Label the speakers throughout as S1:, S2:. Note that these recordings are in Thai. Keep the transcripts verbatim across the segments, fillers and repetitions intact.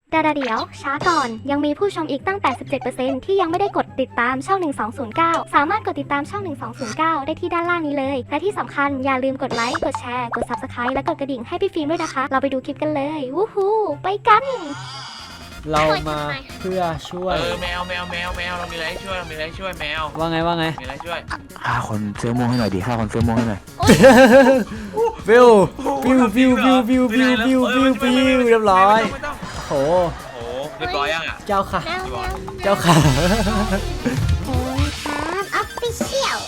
S1: ดาดาเดี๋ยวช้าก่อนยังมีผู้ชมอีกตั้ง แปดสิบเจ็ดเปอร์เซ็นต์ ที่ยังไม่ได้กดติดตามช่องหนึ่งสองศูนย์เก้าสามารถกดติดตามช่องหนึ่งสองศูนย์เก้าได้ที่ด้านล่างนี้เลยและที่สำคัญอย่าลืมกดไลค์กดแชร์กด ซับสไครบ์ และกดกระดิ่งให้พี่ฟิล์มด้วยนะคะเราไปดูคลิปกันเลยวู้ฮู้ไปกัน
S2: เรามาเพื่อช่วย
S3: เออแมวแมวแมวแมวเรามีอะไรให้ช่วยเรามีอะไรให้ช่วยแมว
S2: ว่าไงว่าไง
S3: มีอะไรช่วย
S4: ฆ่าคนเสื้อม่วงให้หน่อยดิฆ่าคนเสื้อม่วงให้หน่อย
S2: ฟิวฟิวฟิวฟิวฟิวฟิวฟิวฟิวฟิวเรียบร้อยโอ้โห
S3: โอ้เรียบร้อยยังอ่ะ
S2: เจ้าค่ะเจ้าค่ะ
S1: โอ้ยครับออฟฟิเชียล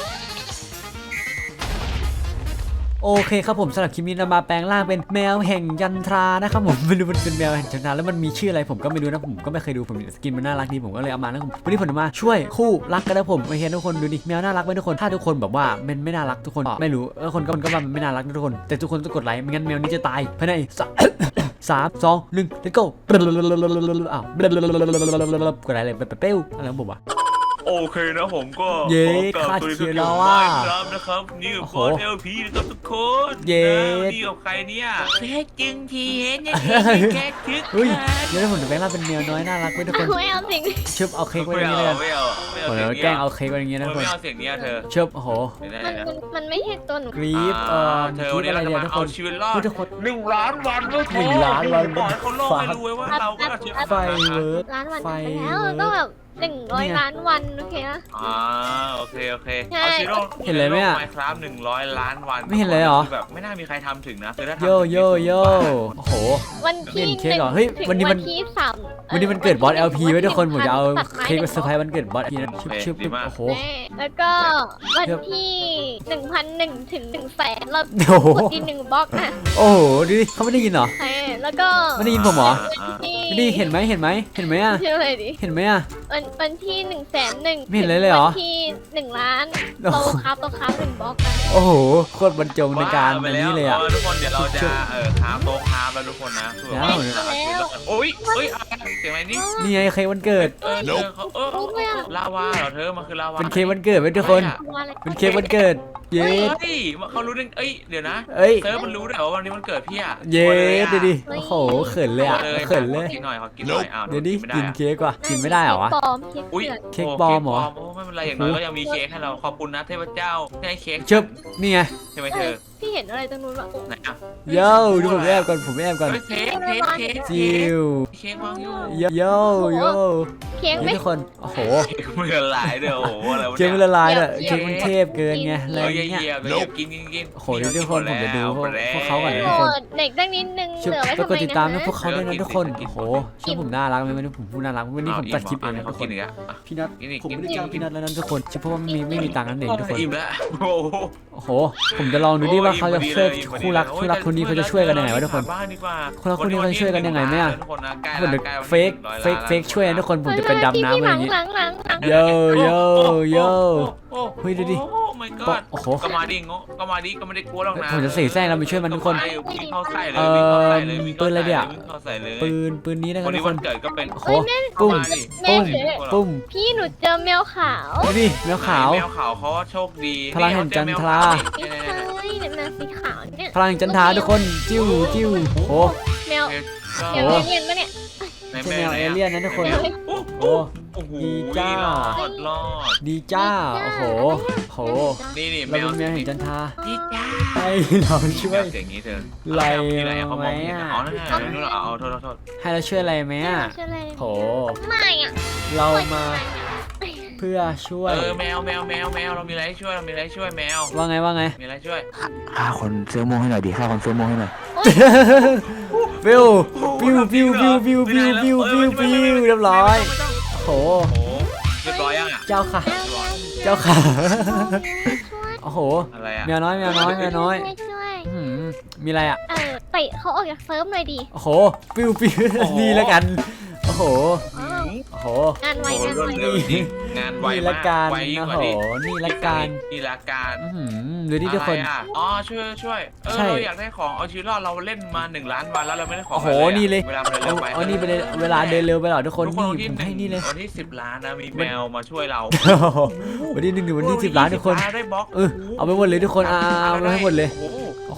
S2: โอเคครับผมสำหรับคลิปนี้เรามาแปลงร่างเป็นแมวแห่งยันทรานะครับผมไม่รู้มันเป็นแมวแห่งยันทราแล้วมันมีชื่ออะไรผมก็ไม่รู้นะผมก็ไม่เคยดูผมสกินมันน่ารักดีผมก็เลยเอามานะผมวันนี้ผมจะมาช่วยคู่รักกันนะผมมาเห็นทุกคนดูดิแมวน่ารักไหมทุกคนถ้าทุกคนแบบว่ามันไม่น่ารักทุกคนไม่รู้เออคนก็มันก็ว่ามันไม่น่ารักนะทุกคนแต่ทุกคนต้องกดไลค์ไม่งั้นแมวนี้จะตายภายในสามสองหนึ่ง let's go อ้าวกดไลค์เลยเป้วอะไรของผมวะ
S3: โอเคนะผมก็
S2: เย้
S3: ขอ
S2: คาด
S3: ตัว
S2: เคียร์
S3: เดี
S2: แล้
S3: ยว
S2: ว
S3: ไม่
S2: อะ
S3: ครับนะครับนี่กับบอสเอลพีนะครับทุกคน
S2: เย้
S3: นี่กับใครเนี่ยเค้กจึงทีเห็นเนี่ยเค้กคึก
S2: เฮ้ยเดี๋ยวผมจะแปลงร่างเป็นแมวน้อยน่ารักไว้ทุกคน
S1: ไม่เอาสิ่ง
S2: ชึบเอาเค้กไว้ต
S3: ไม่
S2: รง
S3: เอา
S2: นี้เลยกัน
S3: ไม่เอาไม่เอา
S2: โอ้
S3: เสีย
S2: โห
S3: ง
S2: แกล้
S3: เนี้
S2: ง
S3: ย
S2: เอาเค้กไว้ตรงนี้นะทุกคน
S3: ไม่เอาเสียงเนี้ยเธอ
S2: ชึบโอ้โห
S3: ไม่ได้
S1: มัน
S3: นะ
S1: มันมันไม่ใช่ตัวหนู
S2: กรีฟเอ่อ
S3: เธอก
S2: รี
S3: วัน
S2: ฟ
S3: นี้
S2: อะไร
S3: เราจะ
S2: เนี่ย
S3: มา
S2: ทุกค
S3: เอา
S2: น
S3: ชีวิตรอด
S2: ทุกคน
S3: หนึ่งล้านวันด้วย
S2: หนึ่งล้านวัน
S3: ปล่อยเขาโลกให้รู้ไว้ว่าเราก็เอาชีวิตรอด
S2: ไฟเวิร์ด
S1: ล้านวัน
S2: ไฟ
S1: ไปแล้วต้องแบบหนึ่งร้อยล้านวันโอเคนะ
S3: อ่าโอเคโอเค
S1: ใช่
S3: เอาชีวิตรอด
S2: เห็นเลยไหมอะ
S3: ไมครับหนึ่งร้อยล้านวัน
S2: ไม่เห็นเลยเหรอ
S3: แบบไม่น่ามีใครทำถึงนะคือถ้าทำ
S2: โยโยโยโอ้โห
S1: วันที่
S2: เห็น
S1: ห
S2: เค้ก
S1: นึ่ง
S2: เหรอเฮ้ย
S1: ถึง
S2: วันนี้มัน
S1: ที่สาม
S2: วันนี้มันเกิดบอส แอล พี ไว้ทุกคนผมจะเอา
S1: ตัดไม้
S2: เค้กมาเซอร์ไพรส์วันเกิดบอส แอล พี นะชึบชึบชึบโอ้โห
S1: แน่แล้วก็วันที่หนึ่งพันหนึ่งถึงหนึ่งแสนเรา
S2: โอ้โห
S1: กดดีหนึ่งบล็อกนะ
S2: โอ้โหดูดิเขาไม่ได้ยินเหรอ
S1: ใช่แล้วก็
S2: ไม่ได้ยินผมเหรอ
S3: อ่า
S1: ที่
S2: ไม่ได้เห็นไหมเห็นไหมเห็นไหมอะ
S1: ชื่ออะไรดิ
S2: เห็นไหมอะ
S1: วันวันที่หนึ่งแสนหนึ่ง
S2: ไม่เห็นเลยเลยเหรอ
S1: วันที่หนึ่งล้าน
S2: โอ้
S1: เรา
S2: โห
S1: ครับเราครับหนึ่งบล็อกนะ
S2: โอ้โหโคตรบรรจงในการ
S3: ไป
S2: อัน
S3: แล้ว
S2: นี้เลยอะ
S3: ทุกคนเดี๋ยวเราจะเออคราฟโต๊ะคราฟแล้วทุกคนนะคือแบบว่าโอ้ยเฮ้ยอะไรเสียงอะไรนี่
S2: นี่ไงเค้กวันเกิด
S3: เออเธอเขาเออลาวาเหรอเธอมันคือลาวา
S2: เป็นเค้กวันเกิดไว้ทุกคน เป็นเค้กวันเกิด เย้
S3: เฮ้ยเขารู้ได้เอ้ยเดี๋ยวนะ
S2: เอ้ย
S3: เธอมันรู้ด้วยว่าวันนี้มันเกิดพี่อะ
S2: เย้ดูดิโอ้โหเขินเลยอะเขินเลย
S3: กินหน่อยขอกินหน่อยอ้าว
S2: เดี๋ยวดิ
S3: ไม่ได้
S2: กิน
S3: อะ
S2: เค้กว่ะกินไม่ได้เหรอวะ
S1: ปลอมเค้ก
S3: อุ้ย
S1: เผือก
S2: เค้กปลอมเหรอ
S3: โอ้ไม่เป็นไรอย่างน้อยก็ยังมีเค้กให้เราขอบคุณนะเทพเจ้าที่ให้เค้ก
S2: ชึบนี่ไง
S3: ใช่ไหมเธอ
S1: พี่เห็นอะไรตรงนู้นวะ
S3: ไหนอะ
S2: โย่ดูผมแอบก่อนผมแอบก่อน
S3: เฮ้ยเค้กเค้กเค้ก
S2: จิว
S3: เค้กวางอยู่
S2: โย่โย่โย่
S1: เค้ก
S2: นี่
S1: ไม่
S2: ทุกคนโอ้โห
S3: เค้กมันละลายเด้อโอ้โหอะไรวะ
S2: เค้กมัน
S3: เนี่ย
S2: ละลายเลย
S1: เดี๋ยว
S2: เค้กมันเทพเกินไงอะไร
S3: เฮ้ย
S2: เงี้ย
S3: เยี่ยมเลยกินกินกิน
S2: โอ้โหเดี๋ยวทุกคนผมจะดูพวก
S3: แล้ว
S2: พวกเขาก่อนนะ
S1: โห
S2: ทุกคน
S1: เด็กตั้งนิดนึง
S2: ชึบ
S1: เหลือไว้
S2: ไป
S1: ทำ
S2: กด
S1: ไม
S2: ติดตาม
S1: นะ
S2: นะพวกเขาด้วยนะทุกคนโอ้โหเชื่อผมน่ารักไหมวันนี้ผมพูดน่ารักวันนี้ผมตัดคลิปเองนะ
S3: เขา
S2: ทุกค
S3: กิน
S2: น
S3: อีกอ่ะ
S2: พี่นัท
S3: กินอีก
S2: ผมไม่ได้
S3: กิน
S2: จ้าง
S3: กิน
S2: พี่นัทแล้วนั้นทุกคนเฉพาะว่าไม่มีไม่มีตังค์นั่นเองทุกคน
S3: อิ่มแล้วโอ้โห
S2: โอ้โหผมจะลองดูดิว่าเขาจะช่วยคู่รักคู่รักคนนี้เขาจะช่วยกันยังไงวะทุกคน
S3: บ้านดีกว่า
S2: คู่รักคนนี้เขาจะช่วยกันยังไงไหมอะ
S3: ทุกคนนะใกล้
S2: เหมือน
S3: แล้วใกล้
S2: เฟกเฟกเฟกช่วยนะทุกคนผมจะเป็นดำน้ำอะไรอย่างงี้
S1: หลังหลังหลัง
S2: โยโยโย เฮ้ยดูดิ
S3: โอ้ my god
S2: โอ้โห
S3: ก็มาดิงก็มาดิก็ไม่ได้กลัวหรอกนะ
S2: ผมจะเสแสร้งเราไปช่วยมันทุกคน
S3: วิ่งเข้าใส่เลยวิ่งเข้าใส่เลยวิ่ง
S2: ปืนอะไรเนี่ย
S3: วิ่งเข้าใส่เลย
S2: ปืนปืนนี้นะค
S3: วั
S2: รับ
S3: น
S2: ทุ
S3: นี้
S2: กค
S3: วัน นเกิดก็เป็น
S2: โอ้โหปุ้ม
S3: มาดิ
S2: ปุ้มปุ้ม
S1: พี่หนูเจอแมวขาว
S2: นี่แมวขาว
S3: แมวขาวเขาโชคดี
S2: พลังแห่งจันทรา
S1: ไม่ใช่เนี่ยแมวสีขาวเนี่ย
S2: พลังจันทราทุกคนจิ้วจิ้วโอ้โห
S1: แมว
S3: โอ้
S1: แมวเอเลี่ยนปะเนี่ย
S2: ใช่แมวเอเลี่ยนนะทุกคน
S3: โอ้
S2: โอ้
S3: โอ้โห
S2: ดีจ้า
S3: รอดรอด
S2: ดีจ้าโอ้โหโห
S3: นี่นี่แม
S2: เรา
S3: ว
S2: เป็นแมวแห่งจันทรา
S3: ดีจ้า
S2: ให้เราช่วย
S3: เสียงนี้เธอ
S2: ไล่
S3: ที่ไหนเขามอง
S2: ไหม
S3: เห็น
S2: อะ
S3: อ๋อนั่นไงนู่นเอาโทษโทษ
S2: ให้เราช่วยอะไรไหมอ่ะ
S1: ชื่ออะไร
S2: โห
S1: ไม่อ่ะ
S2: เรามาเพื่อช่วย
S3: เออแมวแมวแมวแมวเรามีอะไรให้ช่วยเรามีอะไรให้ช่วยแมว
S2: ว่าไงว่าไง
S3: มีอะไรช่วย
S4: ฆ่าคนเสื้อม่วงให้หน่อยดิฆ่าคนเสื้อม่วงให้หน่อย
S2: ฟิวฟิวฟิวฟิวฟิวฟิวฟิวฟิวฟิวเรียบร้อยโห
S3: โอ้เรียบร้อยยังอ่ะ
S2: เจ้าค่ะ เจ้าค่ะโอ้โห
S3: อะไรอ่ะ
S2: แมวน้อยแมวน้อยแมวน้อย
S1: ช่วย
S2: อื้อหือมีอะไรอ่ะ
S1: เออเตะเขาออกจากเซิร์ฟหน่อยดิ
S2: โอ้โหฟิวฟิวนี่แล้วกันโอ้โหโอ้โห
S1: งานไว
S3: โอ้
S1: งาน
S3: รว
S1: ไว
S3: ดเร็วจริงงานไว
S2: นี่
S3: มา
S2: ละ
S3: ก
S2: กัน
S3: ไวยิ่ง
S2: โอ้
S3: กว่า
S2: โห
S3: นี้
S2: นี่ละกัน
S3: นี่ละกัน
S2: อื้อหือดูดิทุกคน
S3: อะไรอ่ะอ๋อช่วยช่วยเออ
S2: ใช่
S3: เราอยากได้ของเอาชีวิตรอดเราเล่นมาหนึ่งล้านวันแล้วเราไม่ได้ของ
S2: โอ้โห
S3: ะไร
S2: นี่เลย
S3: เวลามันเร็วไป
S2: เอานี่ไปเลยเวลาเดินเร็วไปหรอทุกคน
S3: ทุก
S2: นี่
S3: วันที่
S2: ผม
S3: หนึ่
S2: ให้
S3: ง
S2: นี่เลย
S3: วันที่สิบล้านนะมีแมวมาช่วยเรา
S2: วันที่หนึ่งถึงวันที่สิบล้านทุกคน
S3: ได้บล็อก
S2: เออเอาไปหมดเลยทุกคนเอาเอาไปให้หมดเลย
S3: โอ้โห
S2: โอ้โห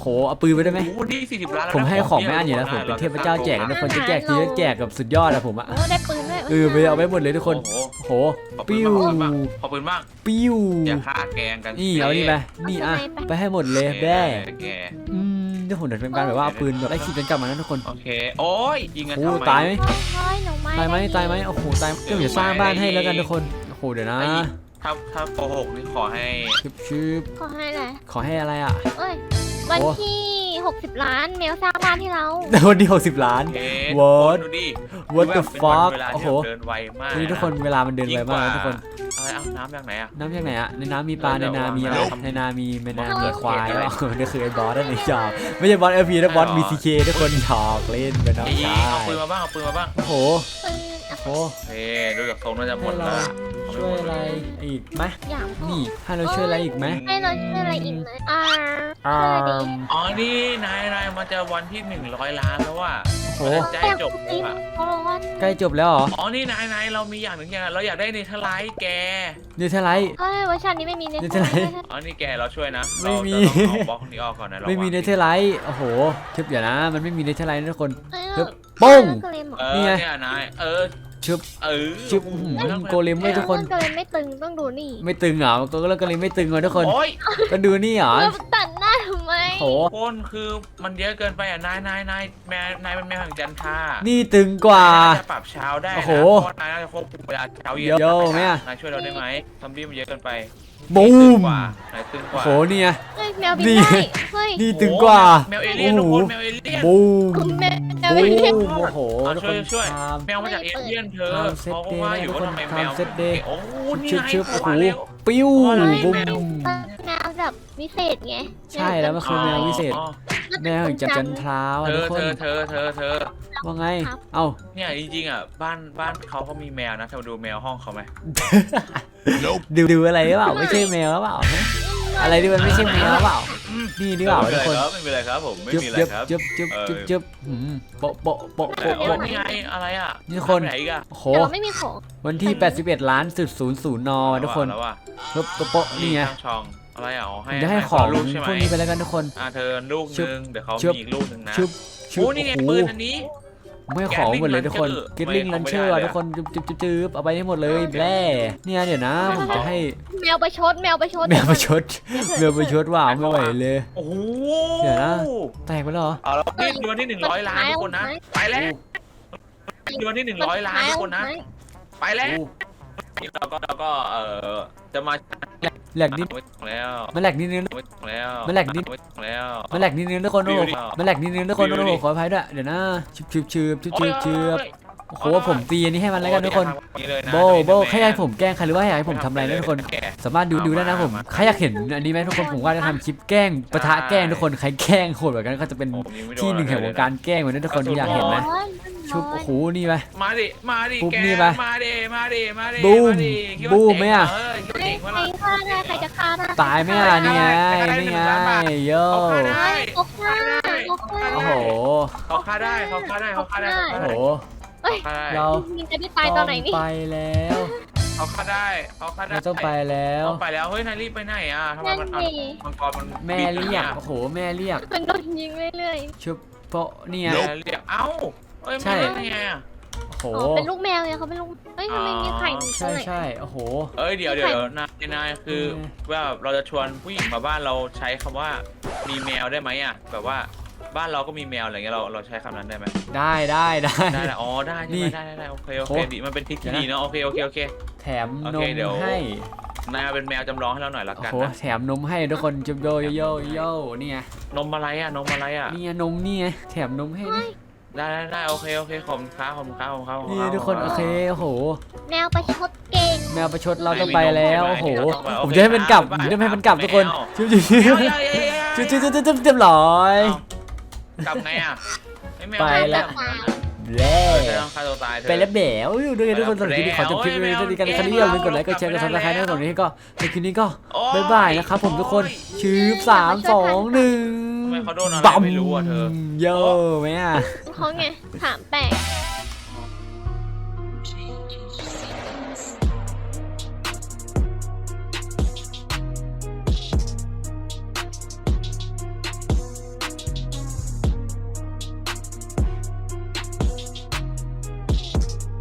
S2: โหเอาปืนไปได้ไหม
S3: โอ้โหนี่สี่สิบล้านแล้วนะ
S2: ผมให้ของไม่อันอยู่แล้วผมเป็นเทพเจ้าแจกนะทุกคนจะแจกทีละแจกกับสุดยอดอะผมอะ
S1: โอ้ได้ปืนด้วย
S2: เออไปเอาไปหมดเลยทุกคน
S3: โอ้โห
S2: โอ้โห
S3: ขอปืน
S2: ปิ้ว
S3: บ้างขอปืนบ้าง
S2: ปิ้ว
S3: อย่าฆ่าแกงกัน
S2: นี่เอานี่ไปนี่อ่ะไปให้หมดเลยแบ่
S3: แก
S2: อืมเดี๋ยวผมเดี๋ยวเป็นการแบบว่าเอาปืนแบบไล่ขีดกันกลับมานะทุกคน
S3: โอเคโอ้ยยิงกัน
S2: โอ้
S3: ทำไม
S2: ตายไหม
S1: เฮ้ยหนูไม่
S2: ตายไหมตายไหมโอ้โหตายเดี๋ยวจะสร้างบ้านให้แล้วกันทุกคนโอ้โหเดี๋ยวนะ
S3: ถ้าถ้าโกหกนี่ขอให้
S2: ชึบชึบ
S1: ขอให้แหละ
S2: ขอให้อะไรอ่ะ
S1: เอ้ยวันที่หกสิบล้านแมวสร้างบ้านให้เรา
S2: วันที่หกสิบล้าน
S3: โอเค
S2: What?
S3: ดูดิ
S2: What the
S3: เป็นวัน
S2: fuck
S3: เวลา
S2: โอ้
S3: ที่
S2: โห
S3: แบบเดินไวมาก
S2: นี่ทุกคนเวลามันเดินไวมากนะทุกคน
S3: อะไรเอาน้ำจากไหนอ่ะ
S2: น้ำจากไหนอะในน้ำมีปลาในนามีอะไรในนามีในนามีควายแล้วนี่คือไอ้บอสนั่นเองหยอกไม่ใช่บอสเอพีนะบอสบีซีเคทุกคนหยอกเล่นเป็นน้อง
S3: ยิง
S2: ชาย
S3: เอาปืนมาบ้างเอาปืนมาบ้าง
S2: โอ้โห
S1: ปืน
S2: โอ้โห
S3: เฮ้ดูจากทรงน่าจะหมดแล้วอะ
S2: ช่วยอะไรอีกไหม
S1: อย่าง
S2: นี่ให้เราช่วยอะไรอีกไหม
S1: ให้เราช่วยอะไรอีกไหมอ่า
S2: อ่า
S1: ช่วยอะไรดี
S3: อ๋อนี่นายนายมันจะวันที่หนึ่งร้อยล้านแล้วว่ะ
S2: โอ้โห
S3: ใจจบ
S1: จริง
S3: อ่ะ
S1: เพราะว่า
S2: ใกล้จบแล้วเหรอ
S3: อ๋อนี่นายนายเรามีอย่างหนึ่งอย่างเราอยากได้เนเธอร์ไลท์แก
S2: เนเธอร์ไลท์
S1: เฮ้ยเวอร์ชันนี้ไม่มีเน็ต
S2: นี่จะไหน
S3: อ๋อนี่แกเราช่วยนะ
S2: ไม่มี
S3: เราจะต้องเอาบล็อกนี้ออกก่อนนะเรา
S2: ไม่มีเน
S3: วาง
S2: เธอร์ไลท์โอ้โหทึบเดี๋ยวนะ มันไม่มีเนเธอร์ไลท์นะทุกคน
S1: เฮ้ย
S2: เฮ้ยปุ้ง
S1: เกมเหรอ
S3: เออ
S2: นี่ไง
S3: เนี่ยนายเออ
S2: ชึบ
S3: เออ
S2: ชึบอื้อหือโกเลมเว้ยทุกคน
S1: เกมไม่ตึงต้องดูนี่
S2: ไม่ตึงเหรอก็แล้วก็เลยไม่ตึงเลยทุกคน
S3: โอ้ย
S2: ก็ดูนี่เหรอ
S1: เราตัดหน้าทำไม
S2: โห
S3: คนคือมันเยอะเกินไปอ่ะนายนายนายแม่นายเป็นแม่แห่งจันทรา
S2: นี่ตึงกว่า
S3: นายน่จะปรับเช้าได้นะ
S2: โอ้โห
S3: เพราะนายน่าจะควบคุมเวลาเช้าเย็น
S2: โย่แม่
S3: นายช่วยเราได้ไหมซอมบี้มันเยอะเกินไป
S2: บูม
S3: นายตึงก
S2: โอ้
S3: ว่า
S2: โหเนี่ย
S1: เฮ้ยแมวบิน
S2: นี่
S1: ได้เฮ้ย
S2: นี่ตึงกว่า
S3: แมวเอเลี่ยนทุกคนแมวเอเลี่ยน
S2: บูม
S1: คุณแมวแมว
S2: บู
S1: บินได้
S2: มโอ้โห
S3: อ่ะ
S2: ทุก
S3: ช่
S2: ค
S3: วย
S2: น
S3: ช่วย
S2: ตาม
S3: แมวมาจากเอเลี่ยนเธอ
S2: ทำเซ็ต
S3: เขาก็
S2: เดย์
S3: ว่าอยู่ว่าทำไมแมว
S2: ทำเซ็ตเดย์
S3: โอ้นี่
S2: ชึบ
S3: ไง
S2: ชึบโอ้โห
S3: มาแล้ว
S2: ปิ้ว
S3: อะไร
S2: บูม
S3: แมว
S1: แมวแบบวิเศษไง
S2: ใช่แล้วมันคือแมววิเศษ
S3: อ๋อ
S2: แมวแห่งจันจันทรา
S3: เธ
S2: ทุก
S3: อ
S2: คน
S3: เธอเธอเธอเธอ
S2: ว่าไงเอ้า
S3: เนี่ยจริงๆอ่ะบ้านบ้านเขาเขามีแมวนะเธอมาดูแมวห้องเขาไหม
S2: ดูดูอะไรหรือเปล่าไม่ใช่แมวหรือเปล่าอะไรที่มันไม่ใช่แมวหรือเปล่านี่ดีกว่า
S3: ไม่
S2: ทุ
S3: เป็
S2: ก
S3: น
S2: ค
S3: ไร
S2: น
S3: ครับไม่เป็นไรครับผมไม่
S2: จึ๊บ
S3: มีอะไร
S2: จึ๊บ
S3: ครับ
S2: จึ๊บจึ๊บ
S3: เออ
S2: จึ๊บจึ๊บหืมโปะโปะโปะ
S3: โอ้
S2: โปะ
S3: โห
S2: โปะ
S3: นี่ไงอะไรอ่ะ
S2: นี่คน
S3: ไหนอีกอ่ะ
S2: โอ้โห
S1: แต่เราไม่มีของ
S2: วันที่ แปดสิบเอ็ด ล้านจุดศูนย์ศูนย์นทุกคน
S3: แล้วว่ะ
S2: โปะโปะโปะนี่ไง
S3: ช่างช่องอะไรอ่ะอ๋อ
S2: ผ
S3: ให้
S2: มจะให้ของ
S3: ลูกใช่ไห
S2: พ
S3: ม
S2: วกนี้ไปแล้วกันทุกคน
S3: อ่ะเธอลูก
S2: ชึบ
S3: นึงเดี๋ยวเขา
S2: ชึบ
S3: มีอีกลูกนึงนะ
S2: ชึบชึบ
S3: โอ้นี่ไง
S2: โอ้โห
S3: ปืนอันนี้
S2: ไม่ให้ของหมดเลยทุกคน
S3: Gatling
S2: กิตลิง
S3: Launcher
S2: ลันเชอร์
S3: ไม่ได้เลยอะ
S2: ทุกคนจึ๊บจึ๊บจึ๊บจึ๊บเอาไปให้หมดเลยแร่เนี่ยเดี๋ยวนะผมจะให้
S1: แมวประชดแมวประชด
S2: แมวประชดแมวประชดว่าไม่ไหวเลย
S3: โอ้โห
S2: เดี๋ยวนะ แตกไปแล้วเหรอ
S3: เอาแล้วนี่เดือนที่หนึ่งร้อยล้านทุกคนนะไปแล้วเดือนที่หนึ่งร้อยล้านทุกคนนะไปแล้วเราก็เราก็เออจะมา
S2: แหลกนิด
S3: แล้ว
S2: มันแหลกนิดนึง
S3: แล้ว
S2: มันแหลกนิด
S3: แล้ว
S2: มันแหลกนิดนึงทุกคนโอ้โห
S3: วิวดิ
S2: มันแหลกนิดนึงทุกคน
S3: วิว
S2: โอ้
S3: ดิ
S2: โหขออภัยด้วยเดี๋ยวนะชืบชืบชืบชืบชืบชืบโอ้โหผมตีอันนี้ให้มันแล้วกันทุกคน โบโบแค่ให้ผมแกล้งใครหรือว่าอยากให้ผมทำอะไรนะทุกคนสามารถดูดูได้นะผมใครอยากเห็นอันนี้ไหมทุกคนผมว่าจะทำคลิปแกล้งปะทะแกล้งทุกคนใครแกล้งโหดแบบนั้นก็จะเป็นที่หนึ่งแห่งวงการแกล้งเหมือนนั้นทุกคนอยากเห็นไหมชุบโอ้โหนี่ไป
S3: มาดิมาดิ
S2: ปุ๊บ
S3: แก
S2: นี่ปะ
S3: มาดิมาดิมาดิ
S2: บูม
S3: าดิคิดว่า
S2: บูมไหมอะ
S3: เคิดว่า
S1: ใคร
S3: เจ๋งวะ
S1: ใคร
S3: ล่ะ
S1: ฆ่าได้ใครจะฆ่าได้
S2: ตายไหมล่ะนี่ไงนี่ไงโย่
S3: เขาฆ่าได้
S1: เขาฆ่าเขาฆ่า
S2: โอ้โห
S3: เขาฆ่าได้เขาฆ่าได้เขาฆ่าได้
S2: โอ้โห
S3: เขาฆ่าได้
S2: เรา
S1: มินจะได้ตายตอนไหนนี่
S2: ไปแล้ว
S3: เขาฆ่าได้เขาฆ่าได้
S2: เราต้องไปแล้ว
S3: เขาไปแล้วเฮ้ยนายรีบไปไหนอ่ะทำไม
S1: นั่น
S3: มัน
S1: ดิ
S3: มังกรมัน
S2: แม่เรียกโอ้โหแม่เรียก
S1: มันโดนยิงเรื่อย
S2: ชุบโปะนี่ไง
S3: แม่เรียกเอ้าเอ้ย
S2: ใช่
S3: ไม่ได้ไงอ่ะ
S2: โอ้โห
S1: ๆอ๋อเป็นลูกแมวไงเขาเป็นลูกเอ้ยทำไมมีไข่ตร
S2: ใช่
S1: งไหน
S2: ใช่โอ้โห
S3: เอ้ยเดี๋ยวเดี๋ยวเดี๋ยวนายนายคือ
S2: อืม
S3: ว่าเราจะชวนผู้หญิงมาบ้านเราใช้คำว่ามีแมวได้ไหมอ่ะแบบว่าบ้านเราก็มีแมวอะไรเงี้ยเราเราใช้คำนั้นได้ไหม
S2: ได้ได้ได้
S3: ได้แหละอ๋อได้
S2: นี่
S3: ใช่ไหมได้ได้ได้โอเคโอ
S2: โอ้
S3: เคดีมันเป็นทริคที่ดีเนาะโอเคโอเคโอเค
S2: แถม
S3: โอน เค
S2: ม
S3: เดี๋ยว
S2: ให้
S3: นายเอาเป็นแมวจำลองให้เราหน่อยละ
S2: โอ้
S3: กัน
S2: โห
S3: นะ
S2: แถมนมให้ทุกคนจุบโยโยโยโยนี่ไง
S3: นมอะไรอ่ะนมอะไรอ่ะ
S2: นี่ไงนมนี่ไงแถมนมให้นี่
S3: ได้ได้ได้โอเคโอเคขอบคุณครับขอบคุณครับขอบคุณครับขอบณ
S2: นี่
S3: รับ
S2: ทุกคนโอเคโอ้โห
S1: แมวประชดเก่ง
S2: แมวประชดเราต้องไปแล้วโอ้โห
S3: ไม่มีนม
S2: ผมจะให้มันกลับผมจะให้มันกลับทุกคนชิบชิบชิบ
S3: เอ้ยเอ้ยเอ้ยเอ้ย
S2: ชิบชิบชิบชิบชิบเรียบร้อย
S3: กลับไงอ่ะอ้แมว
S2: ไปแล้ว แล้
S3: เอ
S2: ว
S3: อเธอต้องฆ่าตัวตายเธอ
S2: ไปแล้วแบ๋วอยู่ด้วยกันทุกคนสำหรับคลิปนี้ขอจบคลิปไว้เท่านี้กันนะครับอย่าลืมกดไลค์กดแชร์กดซับสไครต์ให้ผมนี้ก็ในคลิปนี้ก็
S3: โอ้
S2: บ๊ายบายนะครับผมทุกคนชืบสามสองหนึ่ง
S3: ทำไมเขาโดนอะไร
S2: บัม
S3: ไม่รู้อ่ะเธอ
S2: โย่ไหมอ่ะ
S1: เขาไงถามแปลก